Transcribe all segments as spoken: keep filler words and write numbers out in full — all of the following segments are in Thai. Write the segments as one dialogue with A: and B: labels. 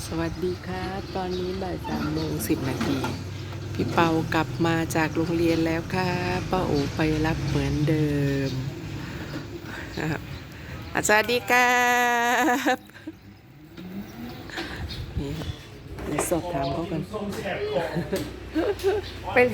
A: สวัสดีครับตอนนี้บ่ายสามโมงสิบนาทีพี่เปากลับมาจากโรงเรียนแล้วครับป้าโอไปรับเหมือนเดิมครับสวัสดีครับนี่เดี๋ยวสอบถามเขากันเป็น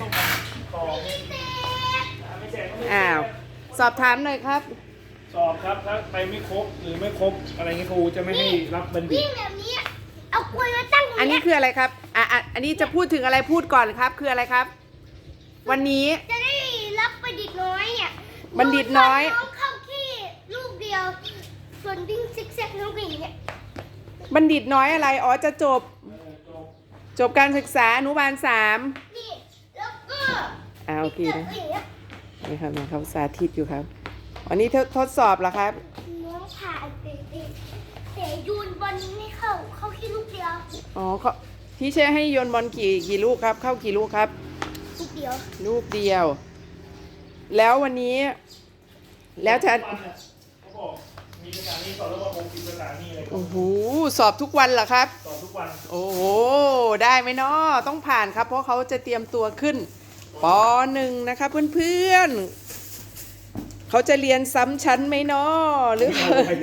A: อ้าวสอบถามหน่อยครับ
B: สอบครับถ้าไปไม่ครบหรือไม่ครบอะไรเงี้ยครูจะไม่ให้รับบัณฑิต
C: แบบนี้เอากล้วยมาตั้ง
A: อันนี้คืออะไรครับอ่ะอ่ะอันนี้จะพูดถึงอะไรพูดก่อนครับคืออะไรครับ วันนี้
C: จะได้รับบัณฑิตน้อยเนี่ย
A: บัณฑิตน้อย
C: น้องเข้าที่ลูกเดียวส่วนวิ่งซิกแซกน้องก็อย่างเงี้ย
A: บัณฑิตน้อยอะไรอ๋อจะจบจบการศึกษาอนุบาลสาม
C: นี่แล้วก็
A: อ่าโอเคนะนี่ครับเขาสาธิตอยู่ครับอันนี้ทดสอบเหรอครับ
C: น้องผ่านเตะแต่ยูนบอลไม่เข้าเข้าที่ลูกเดียว
A: อ๋อเขาที่เชื่อให้โยนบอลกี่กี่ลูกครับเข้ากี่ลูกครับ
C: ลูกเดียว
A: ลูกเดียวแล้ววันนี้แล้วจะ
B: เขาบอกมีภาษานี้สอนแล้วว่าหกสิบภาษานี่อะไร
A: โอ้โหสอบทุกวันเหรอครับ
B: สอบทุกวัน
A: โอ้โหได้ไหมเนาะต้องผ่านครับเพราะเขาจะเตรียมตัวขึ้นปหนึ่งนะครับเพื่อนๆเขาจะเรียนซ้ำชั้นไหมเนาะหรือ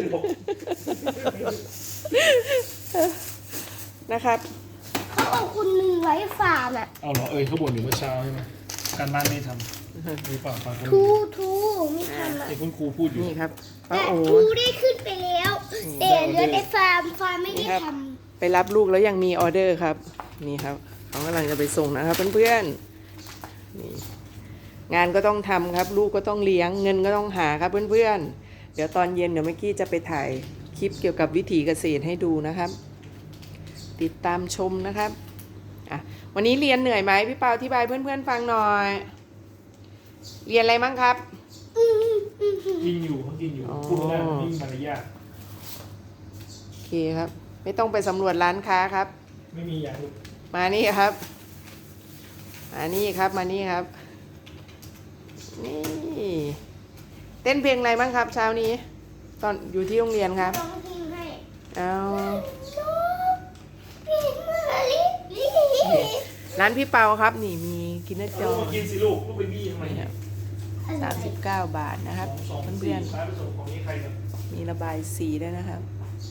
A: นะครับ
C: เขาเอาคุณหนึ่งไว้ฝากอ่ะ
B: เอาเหรอเอ้ยเขาบ่นอยู่เมื่อเช้าใช่ไหมการบ้านไม่ทำหรือเปล่าฟัง
C: ทูทูไม่ทำอ่ะ
B: ไอ้คุณครูพูดอยู่
A: นี่ครับ
C: แต่ทูได้ขึ้นไปแล้วแต่เหลือแต่ฟาร์มฟาร์มไม่ได้ท
A: ำไปรับลูกแล้วยังมีออเดอร์ครับนี่ครับเขากำลังจะไปส่งนะครับเพื่อนๆนี่งานก็ต้องทำครับลูกก็ต้องเลี้ยงเงินก็ต้องหาครับเพื่อนๆเดี๋ยวตอนเย็นเดี๋ยวเมื่อกี้จะไปถ่ายคลิปเกี่ยวกับวิถีเกษตรให้ดูนะครับติดตามชมนะครับอ่ะวันนี้เรียนเหนื่อยไหมพี่เปาอธิบายเพื่อนๆฟังหน่อยเรียนอะไรมั้งครับ
B: กินอยู่เขากินอยู่พูดไม่ได้ยิ่งมารยาท
A: โอเคครับไม่ต้องไปสำรวจร้านค้าครับ
B: ไม่มีอย่างอื่น
A: มานี่ครับมานี่ครับมานี่ครับนี่เต้นเพลงอะไรบ้างครับเช้านี้ตอนอยู่ที่โรงเรียนครับเอาร้านพี่เปาครับนี่มีกินเนอร์จอ
B: กินสิลูกลูกไปบี้ทำไม
A: ครับสามสิบเก้าบาทนะครับเพื่อนๆมีระบายสีด้วยนะครับ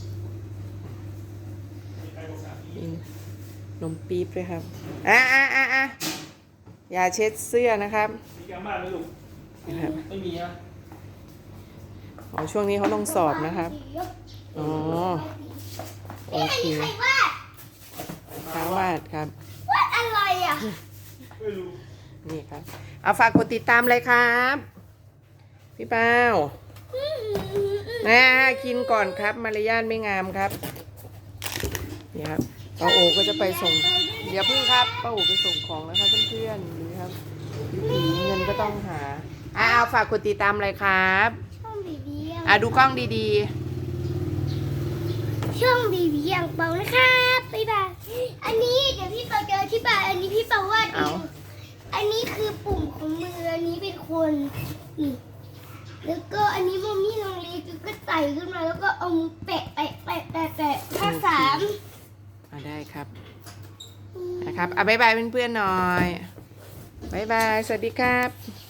A: มีนมปี๊บด้วยครับอ่ะอ่ะอ่ะอ่ะอย่าเช็ดเสื้อนะครับ
B: มีการบ้านไหมลูกไม่มีนะ
A: อ๋อช่วงนี้เขาต้องสอบนะครับอ๋อโอเคทางวาดครับ
C: วาดอะไรอ่ะ
B: ไม่รู้
A: นี่ครับเอาฝากกดติดตามเลยครับพี่เป้านะกินก่อนครับมารยาทไม่งามครับนี่ครับป้าโอก็จะไปส่งเดี๋ยวพึ่งครับป้าโอไปส่งของนะครับเพื่อนๆนี่ครับวิถีเงินก็ต้องหาอ่าเอาฝากกดติดตามเลยครับ
C: ช่องบีบี
A: อ่าดูกล้องดี
C: ๆช่องบีบีอย่างเปานะครับบ๊ายบายอันนี้เดี๋ยวพี่เปาเจอที่บ้านอันนี้พี่เปาวาดเองอันนี้คือปุ่มของมืออันนี้เป็นคนนี่แล้วก็อันนี้มัมมี่น้องเล็กก็ไต่ขึ้นมาแล้วก็เอามือแปะแปะแปะแปะแปะภาษา
A: อ่าได้ครับนะครับอ่ะบ๊ายบายเพื่อนๆหน่อยบ๊ายบายสวัสดีครับ